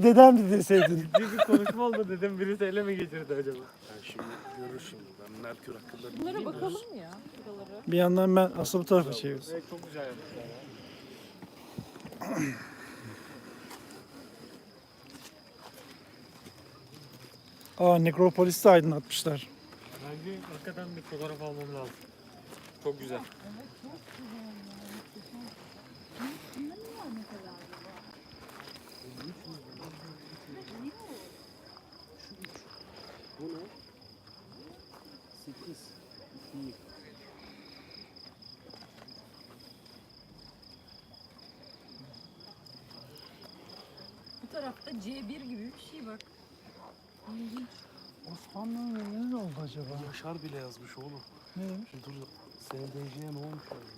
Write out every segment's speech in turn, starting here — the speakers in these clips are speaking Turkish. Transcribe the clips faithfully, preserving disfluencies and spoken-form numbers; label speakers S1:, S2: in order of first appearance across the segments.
S1: dedemdi deseydin.
S2: Ciddi bir konuşma oldu dedim, birisi ele mi geçirdi acaba?
S3: Ben şimdi görür şimdi. Ben Merkür hakkında
S4: Bunlara
S3: bilgim
S4: bakalım
S3: var.
S4: mı ya? Buralara.
S1: Bir yandan ben aslında bu tarafa çeviriyorum.
S2: Evet, çok güzel yapmışlar ya.
S1: Aa, Nekropolis'i aydınlatmışlar.
S2: Bence hakikaten bir fotoğraf almam lazım. Çok güzel.
S3: Bu ne? sekiz. iki.
S4: Bu tarafta C bir gibi bir şey bak. İlginç.
S1: Osmanlı'nın ne oldu acaba?
S3: Yaşar bile yazmış oğlum.
S1: Ne demiş?
S3: Dur, S D C'ye ne olmuş yazmış.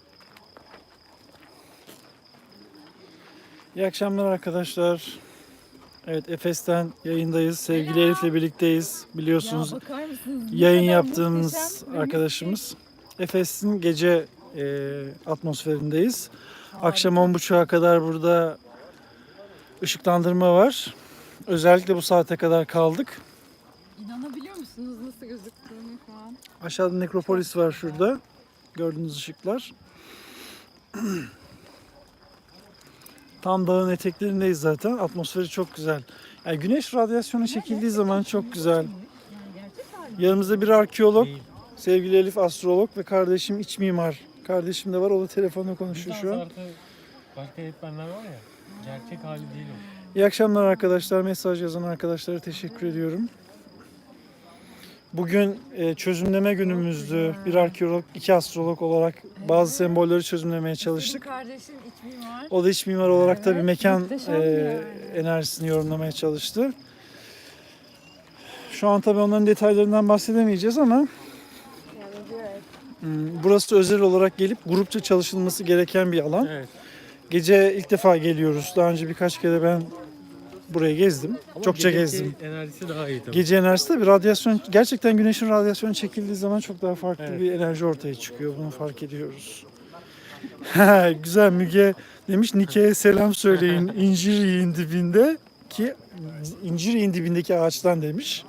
S1: İyi akşamlar arkadaşlar. Evet, Efes'ten yayındayız. Sevgili Elif'le birlikteyiz. Biliyorsunuz
S4: Ya bakar mısınız? Bu
S1: yayın
S4: kadar
S1: yaptığımız
S4: muhteşem ve
S1: arkadaşımız. Efes'in gece e, atmosferindeyiz. Akşam on buçuğa kadar burada ışıklandırma var. Özellikle bu saate kadar kaldık.
S4: İnanabiliyor musunuz nasıl gözüktüğünü şu an?
S1: Aşağıda Nekropolis var şurada. Gördüğünüz ışıklar. Tam dağın eteklerindeyiz zaten. Atmosferi çok güzel. Yani güneş radyasyonu çekildiği zaman çok güzel.
S4: Yani gerçek hali.
S1: Yanımızda bir arkeolog,
S2: Değil.
S1: sevgili Elif astrolog ve kardeşim iç mimar. Kardeşim de var. O da telefonla konuşuyor şu an.
S2: Artı başka eğitmenler var ya, gerçek hali değil o.
S1: İyi akşamlar arkadaşlar. Mesaj yazan arkadaşlara teşekkür ediyorum. Bugün e, çözümleme günümüzdü. Bir arkeolog, iki astrolog olarak bazı sembolleri çözümlemeye çalıştık.
S4: Senin kardeşin iç mimar.
S1: O da iç mimar olarak tabii
S4: Evet,
S1: mekan
S4: muhteşem
S1: e,
S4: yani.
S1: enerjisini yorumlamaya çalıştı. Şu an tabii onların detaylarından bahsedemeyeceğiz ama hmm, burası özel olarak gelip grupça çalışılması gereken bir alan.
S2: Evet.
S1: Gece ilk defa geliyoruz. Daha önce birkaç kere ben burayı gezdim.
S2: Ama
S1: Çokça
S2: geceki
S1: gezdim.
S2: enerjisi daha iyi tabii.
S1: Gece enerjisi tabii radyasyon, gerçekten güneşin radyasyonu çekildiği zaman çok daha farklı
S2: Evet.
S1: bir enerji ortaya çıkıyor. Bunu fark ediyoruz. Güzel, Müge demiş Nike'ye selam söyleyin incir yiyin dibinde ki incir yiyin dibindeki ağaçtan demiş.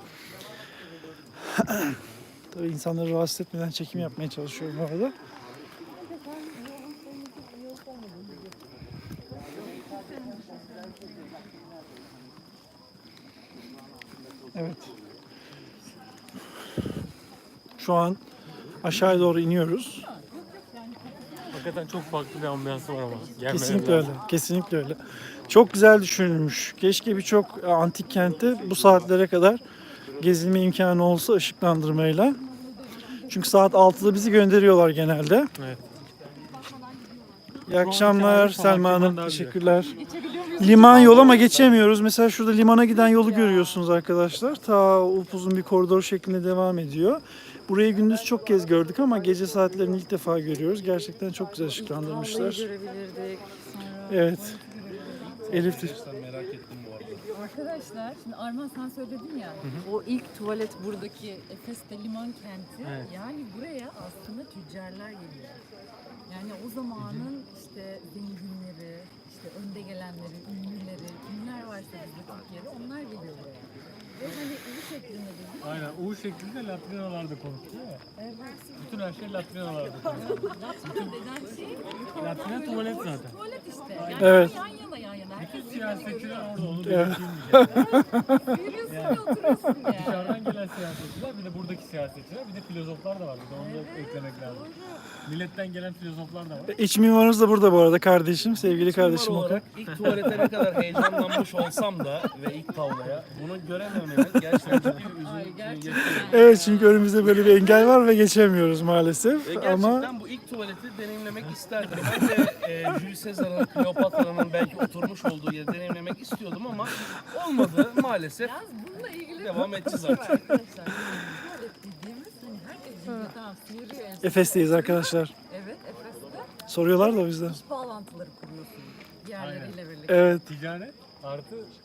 S1: Tabii insanları rahatsız etmeden çekim yapmaya çalışıyorum bu arada. Evet. Şu an aşağıya doğru iniyoruz.
S2: Hakikaten çok farklı bir ambiyansı var ama. Gelmeyen
S1: Kesinlikle
S2: lazım.
S1: öyle. Kesinlikle öyle. Çok güzel düşünülmüş. Keşke birçok antik kentte bu saatlere kadar gezilme imkanı olsa ışıklandırmayla. Çünkü saat altıda bizi gönderiyorlar genelde.
S2: Evet.
S1: İyi akşamlar
S2: hali falan
S1: Selma
S2: kimden
S1: Hanım.
S2: daha güzel.
S1: Teşekkürler.
S4: Geçebiliyor muyuz?
S1: Liman yol ama geçemiyoruz. Mesela şurada limana giden yolu görüyorsunuz arkadaşlar. Ta upuzun bir koridor şeklinde devam ediyor. Burayı gündüz çok kez gördük ama gece saatlerini ilk defa görüyoruz. Gerçekten çok güzel ışıklandırmışlar.
S4: Vallahi görebilirdik. Sonra
S1: Evet. Elif de-
S3: Gerçekten merak ettim bu arada.
S4: Arkadaşlar şimdi Arman sen söyledin ya o ilk tuvalet buradaki Efes'te liman kenti
S2: Evet.
S4: yani buraya aslında tüccarlar geliyor. Yani o zamanın işte zenginleri, işte önde gelenleri, ünlüleri, kimler varsa bizde Türkiye'de onlar geliyor buraya. Ve hani bu şeklinde değil mi?
S2: Aynen. U şeklinde latrinalarda konuşuyor ya.
S4: Evet.
S2: Bütün her şey latrinalarda konuşuyor.
S4: Latrina denen şey
S2: Latrina tuvalet zaten.
S4: tuvalet işte. Yani
S1: Evet.
S4: yan yana yan yana. Herkes
S2: Bütün
S4: birbirini
S2: siyasetçiler
S4: görüyor.
S2: orada, onu belirteyim diyeceğim.
S4: Yürüyorsun ve oturuyorsun yani.
S2: Dışarıdan gelen siyasetçiler, bir de buradaki siyasetçiler, bir de filozoflar da var. Bir de onu da eklemek lazım. Milletten gelen filozoflar da var.
S1: İç mimarımız da burada bu arada kardeşim. Sevgili kardeşim
S3: Mimar
S1: Okan.
S3: olarak ilk tuvalete ne kadar heyecanlanmış olsam da ve ilk tavlaya bunu görememenin gerçekten ciddi bir
S4: Ay,
S3: üzüntü
S4: gerçekten.
S3: yaşıyorum.
S1: Evet, çünkü önümüzde böyle bir engel var ve geçemiyoruz maalesef.
S3: Ve gerçekten
S1: Ama
S3: bu ilk tuvaleti deneyimlemek isterdim. Ben de e, Jules Caesar'ın, Kleopatra'nın belki oturmuş olduğu yeri deneyimlemek istiyordum ama olmadı maalesef.
S4: Yalnız bununla ilgili
S3: Devam
S4: çok
S3: edeceğiz
S4: var
S3: artık.
S4: arkadaşlar. Tuvalet dediğimiz hani herkes biliyor tamam sıyırıyor en son.
S1: Efes'teyiz arkadaşlar.
S4: Evet Efes'te
S1: Soruyorlar da o yüzden.
S4: iş bağlantıları kuruyorsun diğerleriyle birlikte.
S1: Evet.
S2: Ticaret artı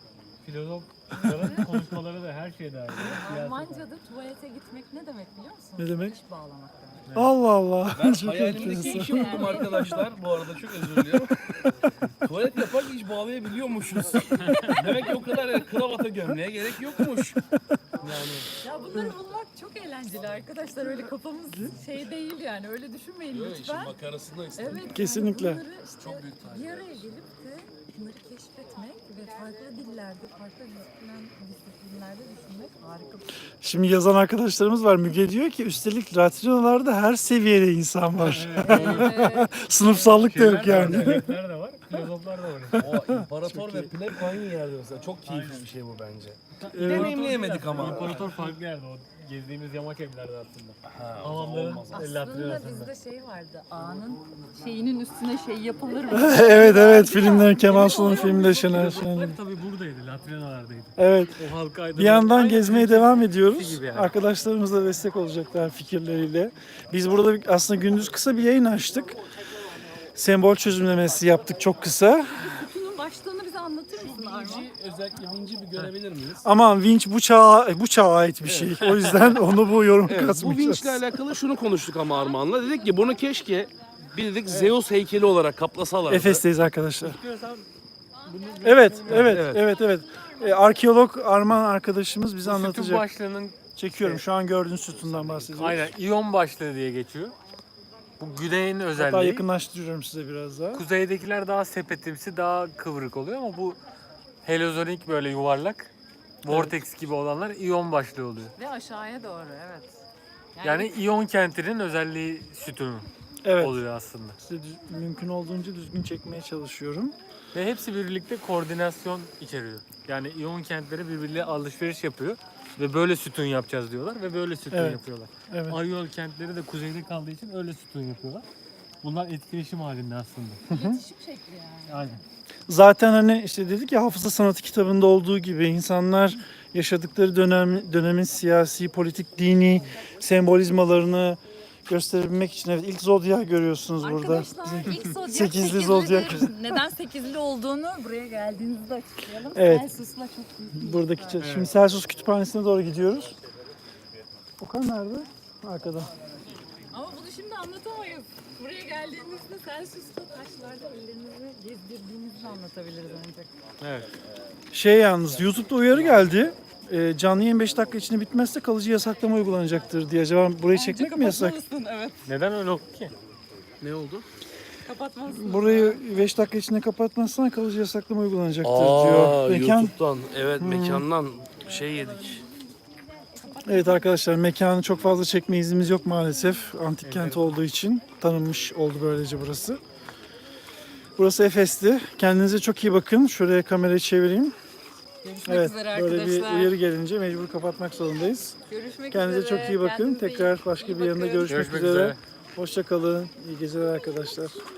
S2: filozofların konuşmaları da her şey dahil. Siyaset.
S4: Almanca'da tuvalete gitmek ne demek biliyor musun?
S1: Ne demek?
S4: Diş bağlamak demek.
S1: Allah Allah.
S3: Ben
S1: Çok
S3: hayalimdeki
S1: enteresan.
S3: işi buldum arkadaşlar. Bu arada çok özür diliyorum. Tuvalet yaparken iş bağlayabiliyormuşuz. Demek ki o kadar yani kravata gömleğe gerek yokmuş. Yani
S4: Ya bunları bulmak çok eğlenceli arkadaşlar. Öyle kafamız şey değil yani. Öyle düşünmeyin
S3: böyle işin
S4: lütfen.
S3: makarasında işte.
S4: Evet.
S1: Kesinlikle.
S4: Yani bunları işte
S3: Çok büyük tarih.
S4: bir araya gelip de bunları keşfetmek ve farklı dillerde, farklı disiplin, disiplinlerde düşünmek harika bir şey.
S1: Şimdi yazan arkadaşlarımız var. Müge diyor ki üstelik latrinalarda her seviyede insan var.
S4: Evet.
S1: Sınıfsallık da yok
S2: Şeyler de var,
S1: yani.
S2: melekler de var, filozoflar da var.
S3: O imparator ve pleb aynı yerde mesela. Çok keyifli bir şey bu bence.
S1: Evet.
S3: Deneyimleyemedik ama.
S2: İmparator farklı yerde o gezdiğimiz yamaç evlerde aslında.
S3: Ha, o zaman
S2: Hamamların
S3: olmaz.
S4: Aslında
S2: latrinasında.
S4: bizde şey vardı. Ağanın şeyinin üstüne şey yapılır mı?
S1: Evet evet filmlerin Kemal Sunal filmleri Şener Şen'in.
S2: Filozoflar tabii buradaydı, latrinalardaydı.
S1: Evet.
S2: O halka aydınlat-
S1: Bir yandan
S2: Aynen
S1: gezmeye
S2: öyle.
S1: devam ediyoruz.
S2: gibi yani.
S1: Arkadaşlarımız da destek olacaklar fikirleriyle. Biz burada bir- aslında gündüz kısa bir yayın açtık. Sembol çözümlemesi yaptık çok kısa.
S4: Kutunun başlığını bize anlatır mısın Arman?
S3: Vinci, özellikle vinci bir görebilir miyiz?
S1: Aman vinç bu çağa, bu çağa ait bir şey. O yüzden onu bu yorum
S3: Evet, bu
S1: katmayacağız.
S3: vinçle alakalı şunu konuştuk ama Armağan'la. Dedik ki bunu keşke bildik Zeus heykeli olarak kaplasalardı.
S1: Efes'teyiz arkadaşlar.
S2: İstiyorsan bunu
S1: Evet, evet,
S3: Evet.
S1: evet, evet. Ee, arkeolog Arman arkadaşımız bize
S5: Sütun
S1: anlatacak.
S5: başlığının
S1: Çekiyorum. Şu an gördüğün sütundan bahsediyoruz.
S5: aynen iyon başlığı diye geçiyor. Bu güneyin
S1: Hatta
S5: özelliği.
S1: yakınlaştırıyorum size biraz daha.
S5: Kuzeydekiler daha sepetimsi, daha kıvrık oluyor ama bu heliozonik böyle yuvarlak, vortex gibi olanlar iyon başlığı oluyor.
S4: Ve aşağıya doğru evet.
S5: Yani iyon kentinin özelliği sütunu
S1: Evet.
S5: oluyor aslında.
S1: Size düz- mümkün olduğunca düzgün çekmeye çalışıyorum.
S5: Ve hepsi birlikte koordinasyon içeriyor. Yani iyon kentleri birbiriyle alışveriş yapıyor ve böyle sütun yapacağız diyorlar ve böyle sütun
S1: Evet.
S5: yapıyorlar.
S1: Evet.
S5: Ayol kentleri de kuzeyde kaldığı için öyle sütun yapıyorlar. Bunlar etkileşim halinde aslında.
S4: İletişim şekli yani.
S5: Aynen.
S1: Zaten hani işte dedik ya Hafıza Sanatı kitabında olduğu gibi insanlar yaşadıkları dönem dönemin siyasi, politik, dini sembolizmalarını gösterebilmek için evet ilk zodyak görüyorsunuz burada.
S4: Arkadaşlar ilk zodyak
S1: Sekizli
S4: sekizli
S1: zodyak.
S4: Neden sekizli olduğunu buraya geldiğinizde açıklayalım.
S1: Evet.
S4: Celsus'la çok büyük bir
S1: Buradaki çe- Şimdi Celsus Kütüphanesi'ne doğru gidiyoruz. Okan nerede? Arkada.
S4: Ama bunu şimdi anlatamayız. Buraya geldiğinizde Celsus'ta taşlarda ellerinizi gezdirdiğinizi anlatabiliriz ancak.
S5: Evet.
S1: Şey yalnız YouTube'da uyarı geldi. Ee, canlı yayın beş dakika içinde bitmezse kalıcı yasaklama uygulanacaktır diye. Acaba burayı çekmek mi yasak?
S4: Kapatmalısın, evet.
S5: Neden öyle oldu ki?
S3: Ne oldu?
S4: Kapatmalısın.
S1: Burayı beş dakika içinde kapatmazsan kalıcı yasaklama uygulanacaktır
S3: Aa,
S1: diyor. Mekan.
S3: YouTube'dan. Evet mekandan şey yedik.
S1: Evet arkadaşlar mekanı çok fazla çekme iznimiz yok maalesef. Antik kent olduğu için tanınmış oldu böylece burası. Burası Efes'ti. Kendinize çok iyi bakın. Şuraya kamerayı çevireyim.
S4: Görüşmek
S1: Evet,
S4: üzere
S1: böyle
S4: arkadaşlar.
S1: bir uyarı gelince mecbur kapatmak zorundayız.
S4: Görüşmek
S1: Kendinize
S4: üzere.
S1: çok iyi bakın.
S4: Kendinize iyi-
S1: Tekrar başka
S4: iyi
S1: bir yanında
S4: bakın.
S1: görüşmek,
S5: Görüşmek
S1: üzere.
S5: üzere.
S1: Hoşça kalın. İyi geceler arkadaşlar.